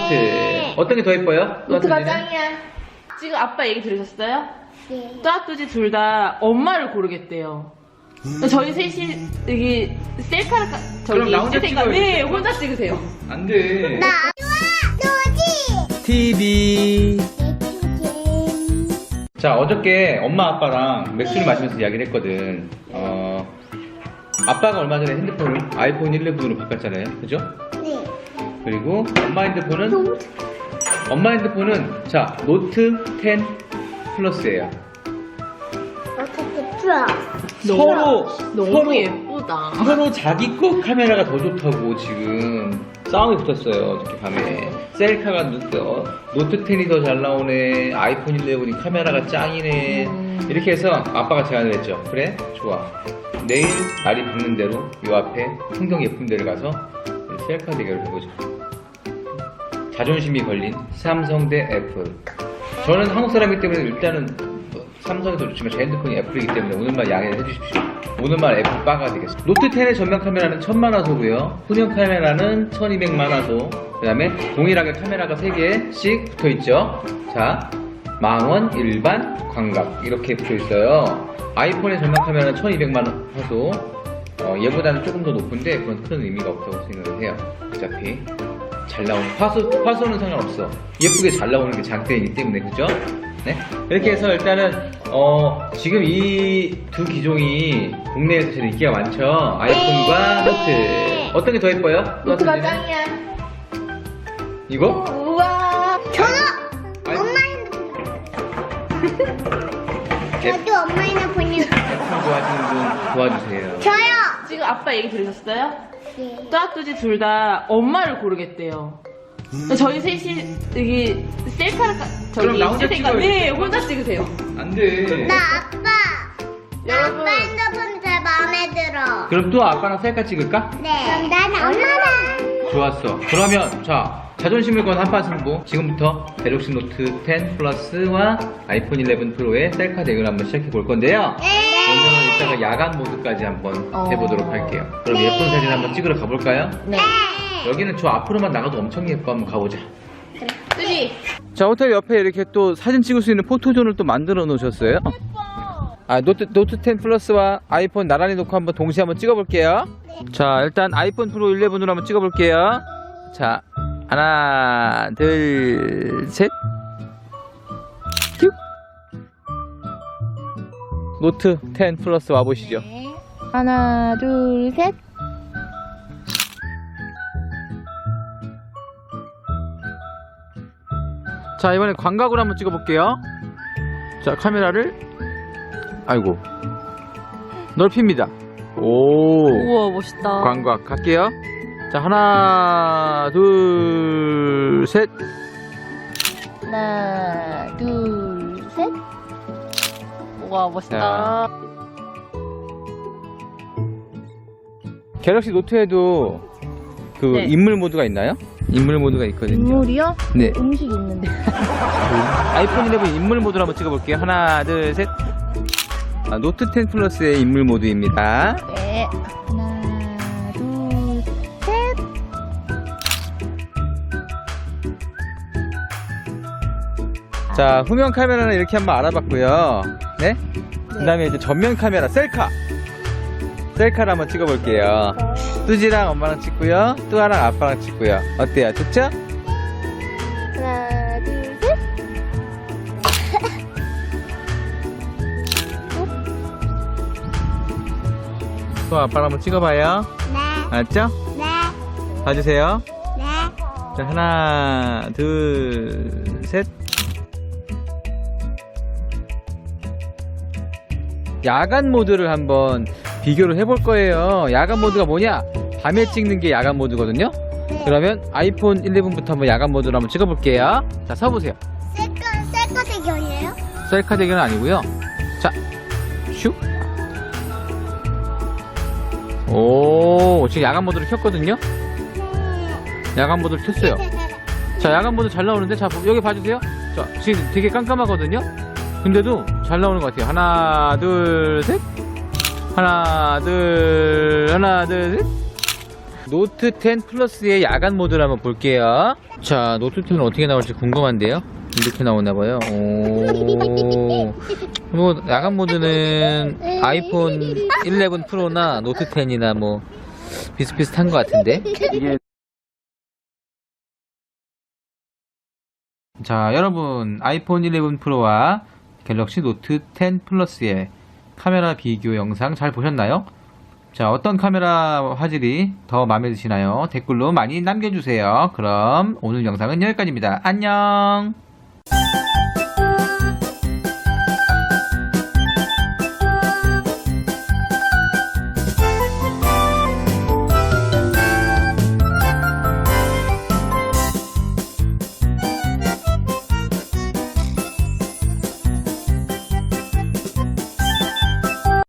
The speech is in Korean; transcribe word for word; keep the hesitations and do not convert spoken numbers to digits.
노트. 어떤 게 더 예뻐요? 노트가 짱이야. 지금 아빠 얘기 들으셨어요? 네. 뚜아뚜지 둘 다 엄마를 고르겠대요. 저희 셋이 여기 셀카를 까- 그럼 저기 나 혼자 찍을 테니까 찍어요. 네 혼자 찍으세요. 안 돼. 나 좋아 노지. 티비. 자, 어저께 엄마 아빠랑 맥주를 마시면서 이야기를 했거든. 어, 아빠가 얼마 전에 핸드폰을 아이폰 일레븐으로 바꿨잖아요. 그죠? 네. 그리고 엄마 핸드폰은 엄마 핸드폰은 자, 노트 텐 플러스예요. 어떻게 풀어? 서로 너무 서로 예쁘다. 서로 자기 거 카메라가 더 좋다고 지금 싸움이 붙었어요. 어저께 밤에 셀카가 노트, 어, 노트 텐이 더 잘 나오네, 아이폰 일레븐이 카메라가 짱이네. 음. 이렇게 해서 아빠가 제안을 했죠. 그래? 좋아. 내일 날이 밝는 대로 요 앞에 풍경 예쁜 데를 가서 셀카 대결을 해보자. 자존심이 걸린 삼성 대 애플. 저는 한국 사람이기 때문에 일단은 뭐 삼성이 더 좋지만 제 핸드폰이 애플이기 때문에 오늘만 양해를 해주십시오. 오늘만 애플 빠가 되겠습니다. 노트 텐의 전면 카메라는 천만 화소고요. 후면 카메라는 천이백만 화소. 그 다음에 동일하게 카메라가 세 개씩 붙어있죠. 자, 망원, 일반, 광각 이렇게 붙어있어요. 아이폰의 전면 카메라는 천이백만 화소. 어, 얘보다는 조금 더 높은데 그건 큰 의미가 없다고 생각을 해요. 어차피 잘 나오는 화소, 화소는 상관없어. 예쁘게 잘 나오는 게 장점이기 때문에. 그죠? 네? 이렇게 해서 일단은 어, 지금 이 두 기종이 국내에서 제일 인기가 많죠. 아이폰과 노트. 어떤 게 더 예뻐요? 노트가 노트는? 짱이야. 이거? 우와. 저도 아이- 엄마 핸드폰. 저도 엄마 핸드폰이. 애플 좋아하시는 분 도와주세요. 저요. 지금 아빠 얘기 들으셨어요? 네. 뚜아뚜지 둘 다 엄마를 고르겠대요. 저희 셋이 여기 셀카를 까- 그럼 저기 나 혼자 찍을 테니까 찍어요. 네 혼자 찍으세요. 안 돼. 나 아빠. 나 여러분. 아빠 핸드폰 제일 마음에 들어. 그럼 또 아빠랑 셀카 찍을까? 네. 그럼 난 엄마랑. 좋았어. 그러면 자, 자존심을 건 한판 승부. 지금부터 갤럭시 노트 텐 플러스와 아이폰 일레븐 프로의 셀카 대결 한번 시작해 볼 건데요. 네. 오늘은 이따가 야간 모드까지 한번 어. 해보도록 할게요. 그럼 네. 예쁜 사진 한번 찍으러 가볼까요? 네. 여기는 저 앞으로만 나가도 엄청 예뻐. 한번 가보자. 뚜지. 자, 호텔 옆에 이렇게 또 사진 찍을 수 있는 포토존을 또 만들어 놓으셨어요. 아, 노트, 노트 텐 플러스와 아이폰 나란히 놓고 한번 동시에 한번 찍어볼게요. 자, 일단 아이폰 프로 일레븐으로 한번 찍어볼게요. 자, 하나, 둘, 셋. 큐. 노트 텐 플러스 와보시죠. 하나 둘 셋. 자, 이번엔 광각으로 한번 찍어볼게요. 자, 카메라를 아이고 넓힙니다. 오, 우와 멋있다. 광각 갈게요. 자, 하나 둘 셋. 하나 둘 셋. 우와 멋있다. 갤럭시 노트에도 그 네. 인물 모드가 있나요? 인물 모드가 있거든요. 인물이요? 네. 음식 있는데. 아이폰 일레븐 인물 모드로 한번 찍어볼게요. 하나 둘 셋. 아, 노트 텐 플러스의 인물 모드입니다. 네. 하나 둘 셋. 자, 후면 카메라는 이렇게 한번 알아봤고요. 네? 그 다음에 이제 전면 카메라, 셀카. 셀카를 한번 찍어볼게요. 뚜지랑 엄마랑 찍고요. 뚜아랑 아빠랑 찍고요. 어때요? 좋죠? 하나 둘 셋. 뚜아 아빠랑 한번 찍어봐요. 네. 알았죠? 네. 봐주세요. 네. 자, 하나, 둘, 셋. 야간 모드를 한번 비교를 해볼 거예요. 야간 모드가 뭐냐? 밤에 찍는 게 야간 모드거든요. 그러면 아이폰 일레븐부터 한번 야간 모드로 한번 찍어볼게요. 자, 서보세요. 셀카 셀카 대결이에요? 셀카 대결은 아니고요. 자, 슉. 오, 지금 야간 모드를 켰거든요. 야간 모드를 켰어요. 자, 야간 모드 잘 나오는데, 자, 여기 봐주세요. 자, 지금 되게 깜깜하거든요. 근데도 잘 나오는 것 같아요. 하나, 둘, 셋. 하나, 둘, 하나, 둘, 셋. 노트 텐 플러스의 야간 모드를 한번 볼게요. 자, 노트 텐은 어떻게 나올지 궁금한데요. 이렇게 나오나봐요. 오. 뭐 야간 모드는 아이폰 일레븐 프로나 노트 텐이나 뭐 비슷비슷한 것 같은데. 이게 자, 여러분 아이폰 일레븐 프로와 갤럭시 노트 텐 플러스의 카메라 비교 영상 잘 보셨나요? 자, 어떤 카메라 화질이 더 마음에 드시나요? 댓글로 많이 남겨주세요. 그럼 오늘 영상은 여기까지입니다. 안녕.